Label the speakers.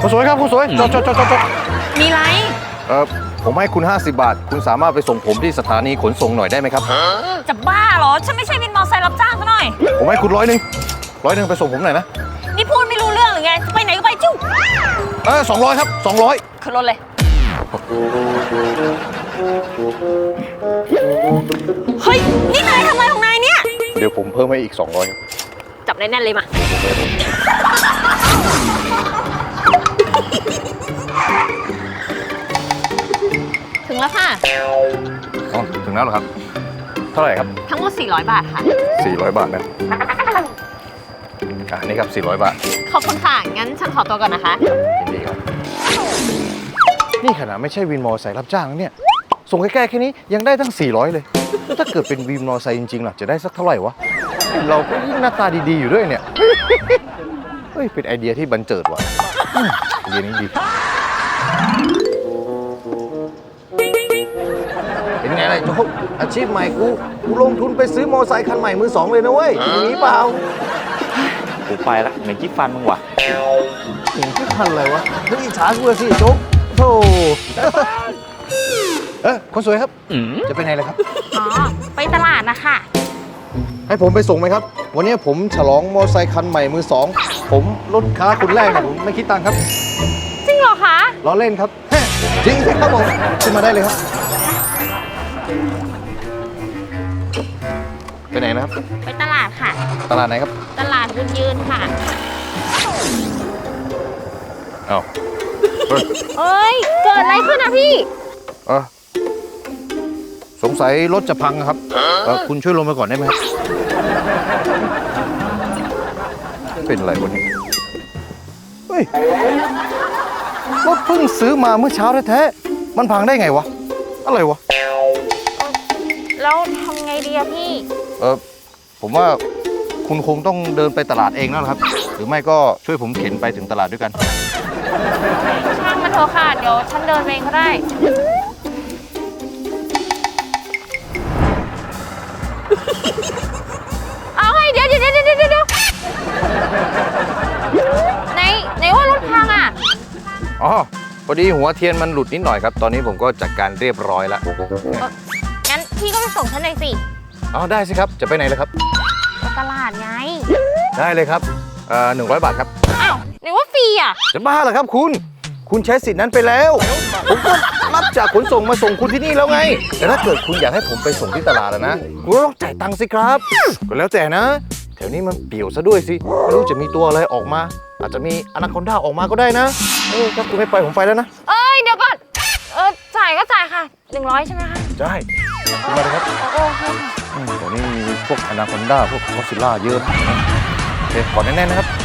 Speaker 1: คุณสวยครับคุณสวยจอด
Speaker 2: มีไร
Speaker 1: ผมให้คุณ50 บาทคุณสามารถไปส่งผมที่สถานีขนส่งหน่อยได้ไหมครับ
Speaker 2: จะบ้าเหรอฉันไม่ใช่วินมอเตอร์ไซค์รับจ้างซะหน่อย
Speaker 1: ผมให้คุณ100ไปส่งผมหน่อยนะ
Speaker 2: นี่พูดไม่รู้เรื่องหรือไงจะไปไหนก็ไปจิ้ว
Speaker 1: 200ครับ200
Speaker 2: ขึ้นรถเลยเฮ้ยนี่นายทำอะไรของนายเนี่ย
Speaker 1: เดี๋ยวผมเพิ่มให้อีก200ครับ
Speaker 2: จับแน่นๆเลยมาถึงแล้วค่ะ
Speaker 1: อ๋อถึงแล้วเหรอครับเท่าไหร่ครับ
Speaker 2: ทั้งหมด400 บาทค่ะ
Speaker 1: 400 บาทนะนี่ครับ400 บาท
Speaker 2: ขอบคุณค่ะงั้นฉันขอตัวก่อนนะคะ
Speaker 1: ยินดีครับนี่ขนาดไม่ใช่วินมอเตอร์ไซค์รับจ้างเนี่ยส่งใกล้ๆแค่นี้ยังได้ตั้ง400เลยแล้วถ้าเกิดเป็นวินมอเตอร์ไซค์จริงๆล่ะจะได้สักเท่าไหร่วะเราก็ยิ่งหน้าตาดีๆอยู่ด้วยเนี่ยเฮ้ยเป็นไอเดียที่บันเจิดว่ะไอเดียนี้ดีเป็นไงล่ะโจ๊กอาชีพใหม่กูลงทุนไปซื้อมอเตอร์ไซค์คันใหม่มือ2เลยนะเว้ยอย่างนี้เปล่า
Speaker 3: กูไปละเหม็นขี้ฟันมึงวะ
Speaker 1: เหม็นขี้ฟันอะไรวะเฮ้ยอิจฉากูสิโจ๊กโธ่คนสวยครับจะไปไหนเลยครับ
Speaker 2: อ๋อไปตลาดนะคะ
Speaker 1: ให้ผมไปส่งไหมครับวันนี้ผมฉลองมอเตอร์ไซค์คันใหม่มือ2ผมลดค่าคนแรกผมไม่คิดตังค์ครับ
Speaker 2: จริงเหรอคะ
Speaker 1: ล้อเล่นครับจริงสิครับผมขึ้นมาได้เลยครับไปไหนนะครับ
Speaker 2: ไปตลาดค่ะ
Speaker 1: ตลาดไหนครับ
Speaker 2: ตลาดบุญยืนค่ะ
Speaker 1: อ้าว
Speaker 2: เอ้ยเกิดอะไรขึ้นนะพี่
Speaker 1: สงสัยรถจะพังครับคุณช่วยลงไปก่อนได้ไหมครับเป็นอะไรวะเนี่ยเฮ้ยรถเพิ่งซื้อมาเมื่อเช้าแท้ๆมันพังได้ไงวะอะไรวะ
Speaker 2: แล้วทำไงดีอะพี่
Speaker 1: ผมว่าคุณคงต้องเดินไปตลาดเองแล้วครับหรือไม่ก็ช่วยผมเข็นไปถึงตลาดด้วยกัน
Speaker 2: ช่างมันเถอะค่ะเดี๋ยวฉันเดินเองก็ได้เอาไงเดี๋ยวไหนว่ารถพังอ่ะ
Speaker 1: อ๋อพอดีหัวเทียนมันหลุดนิดหน่อยครับตอนนี้ผมก็จัดการเรียบร้อยแล้ว
Speaker 2: งั้นพี่ก็ไปส่งฉันเลยสิ
Speaker 1: อ๋อได้สิครับจะไปไหนเลยครับ
Speaker 2: ตลาดไง
Speaker 1: ได้เลยครับ100 บาทครับ
Speaker 2: อ้าวไหนว่าฟรีอ่ะ
Speaker 1: จะบ้าเหรอครับคุณใช้สิทธิ์นั้นไปแล้วผมก็รับจากขนส่งมาส่งคุณที่นี่แล้วไงแต่ถ้าเกิดคุณอยากให้ผมไปส่งที่ตลาดนะคุณต้องจ่ายตังค์สิครับก็แล้วแต่นะแถวนี้มันเปี่ยวซะด้วยสิไม่รู้จะมีตัวอะไรออกมาอาจจะมีอนาคอนดาออกมาก็ได้นะถ้าคุณไม่ไปผมไปแล้วนะ
Speaker 2: เดี๋ยวก่อนจ่ายก็จ่ายค่ะ100ใช่ไหมคะ
Speaker 1: ใช่มาเลยครับ
Speaker 2: โอเค
Speaker 1: เดี๋ยวนี้มีพวกอนาคอนดาพวกกอดซิลล่าเยอะโอเคกอดแน่นๆนะครับ